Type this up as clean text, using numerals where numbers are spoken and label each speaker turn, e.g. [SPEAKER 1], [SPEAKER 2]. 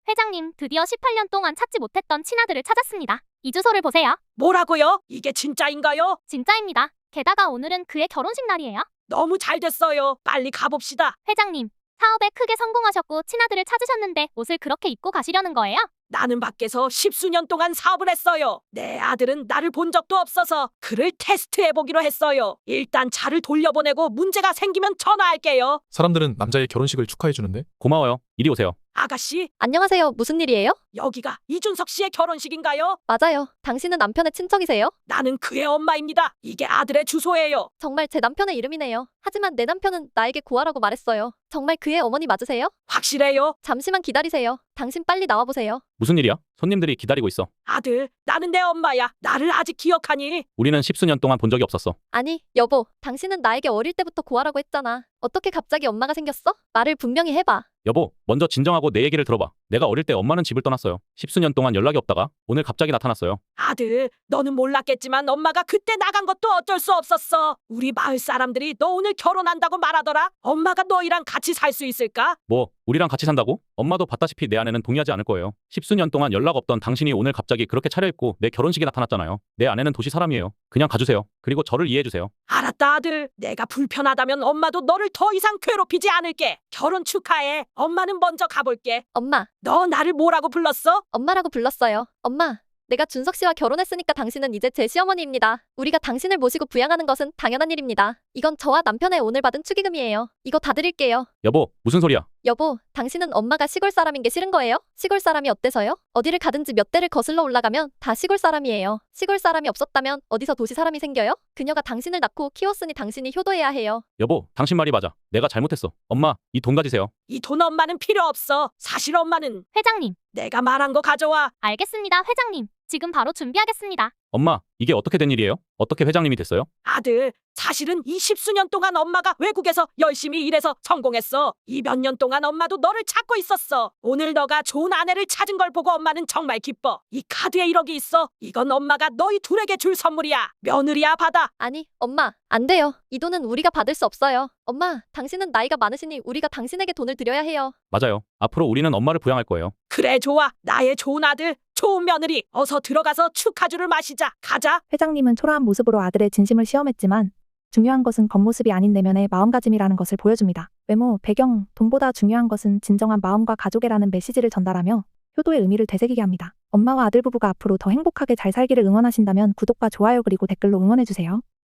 [SPEAKER 1] 회장님, 드디어 18년 동안 찾지 못했던 친아들을 찾았습니다. 이 주소를 보세요.
[SPEAKER 2] 뭐라고요? 이게 진짜인가요?
[SPEAKER 1] 진짜입니다. 게다가 오늘은 그의 결혼식 날이에요.
[SPEAKER 2] 너무 잘 됐어요. 빨리 가봅시다.
[SPEAKER 1] 회장님, 사업에 크게 성공하셨고 친아들을 찾으셨는데 옷을 그렇게 입고 가시려는 거예요?
[SPEAKER 2] 나는 밖에서 10수년 동안 사업을 했어요. 내 아들은 나를 본 적도 없어서 그를 테스트해보기로 했어요. 일단 차를 돌려보내고 문제가 생기면 전화할게요.
[SPEAKER 3] 사람들은 남자의 결혼식을 축하해주는데
[SPEAKER 4] 고마워요. 이리 오세요.
[SPEAKER 2] 아가씨,
[SPEAKER 5] 안녕하세요. 무슨 일이에요?
[SPEAKER 2] 여기가 이준석 씨의 결혼식인가요?
[SPEAKER 5] 맞아요. 당신은 남편의 친척이세요?
[SPEAKER 2] 나는 그의 엄마입니다. 이게 아들의 주소예요.
[SPEAKER 5] 정말 제 남편의 이름이네요. 하지만 내 남편은 나에게 구하라고 말했어요. 정말 그의 어머니 맞으세요?
[SPEAKER 2] 확실해요?
[SPEAKER 5] 잠시만 기다리세요. 당신 빨리 나와보세요.
[SPEAKER 4] 무슨 일이야? 손님들이 기다리고 있어.
[SPEAKER 2] 아들, 나는 내 엄마야. 나를 아직 기억하니?
[SPEAKER 4] 우리는 10수년 동안 본 적이 없었어.
[SPEAKER 5] 아니, 여보. 당신은 나에게 어릴 때부터 구하라고 했잖아. 어떻게 갑자기 엄마가 생겼어? 말을 분명히 해봐.
[SPEAKER 4] 여보, 먼저 진정하고 내 얘기를 들어봐. 내가 어릴 때 엄마는 집을 떠났어요. 10수년 동안 연락이 없다가 오늘 갑자기 나타났어요.
[SPEAKER 2] 아들, 너는 몰랐겠지만 엄마가 그때 나간 것도 어쩔 수 없었어. 우리 마을 사람들이 너 오늘 결혼한다고 말하더라. 엄마가 너희랑 같이 살 수 있을까?
[SPEAKER 4] 뭐, 우리랑 같이 산다고? 엄마도 봤다시피 내 아내는 동의하지 않을 거예요. 10수년 동안 연락 없던 당신이 오늘 갑자기 그렇게 차려입고 내 결혼식에 나타났잖아요. 내 아내는 도시 사람이에요. 그냥 가주세요. 그리고 저를 이해해주세요.
[SPEAKER 2] 알았다, 아들. 내가 불편하다면 엄마도 너를 더 이상 괴롭히지 않을게. 결혼 축하해. 엄마는 먼저 가볼게.
[SPEAKER 5] 엄마,
[SPEAKER 2] 너 나를 뭐라고 불렀어?
[SPEAKER 5] 엄마라고 불렀어요. 엄마, 내가 준석 씨와 결혼했으니까 당신은 이제 제 시어머니입니다. 우리가 당신을 모시고 부양하는 것은 당연한 일입니다. 이건 저와 남편의 오늘 받은 축의금이에요. 이거 다 드릴게요.
[SPEAKER 4] 여보, 무슨 소리야?
[SPEAKER 5] 여보, 당신은 엄마가 시골 사람인 게 싫은 거예요? 시골 사람이 어때서요? 어디를 가든지 몇 대를 거슬러 올라가면 다 시골 사람이에요. 시골 사람이 없었다면 어디서 도시 사람이 생겨요? 그녀가 당신을 낳고 키웠으니 당신이 효도해야 해요.
[SPEAKER 4] 여보, 당신 말이 맞아. 내가 잘못했어. 엄마, 이 돈 가지세요.
[SPEAKER 2] 이 돈 엄마는 필요 없어. 사실 엄마는
[SPEAKER 1] 회장님,
[SPEAKER 2] 내가 말한 거 가져와.
[SPEAKER 1] 알겠습니다, 회장님. 지금 바로 준비하겠습니다.
[SPEAKER 4] 엄마, 이게 어떻게 된 일이에요? 어떻게 회장님이 됐어요?
[SPEAKER 2] 아들, 사실은 이 10수년 동안 엄마가 외국에서 열심히 일해서 성공했어. 이 몇 년 동안 엄마도 너를 찾고 있었어. 오늘 너가 좋은 아내를 찾은 걸 보고 엄마는 정말 기뻐. 이 카드에 1억이 있어. 이건 엄마가 너희 둘에게 줄 선물이야. 며느리야, 받아.
[SPEAKER 5] 아니, 엄마, 안 돼요. 이 돈은 우리가 받을 수 없어요. 엄마, 당신은 나이가 많으시니 우리가 당신에게 돈을 드려야 해요.
[SPEAKER 4] 맞아요. 앞으로 우리는 엄마를 부양할 거예요.
[SPEAKER 2] 그래, 좋아. 나의 좋은 아들, 좋은 며느리. 어서 들어가서 축하주를 마시자. 가자.
[SPEAKER 6] 회장님은 초라한 모습으로 아들의 진심을 시험했지만 중요한 것은 겉모습이 아닌 내면의 마음가짐이라는 것을 보여줍니다. 외모, 배경, 돈보다 중요한 것은 진정한 마음과 가족애라는 메시지를 전달하며 효도의 의미를 되새기게 합니다. 엄마와 아들 부부가 앞으로 더 행복하게 잘 살기를 응원하신다면 구독과 좋아요 그리고 댓글로 응원해주세요.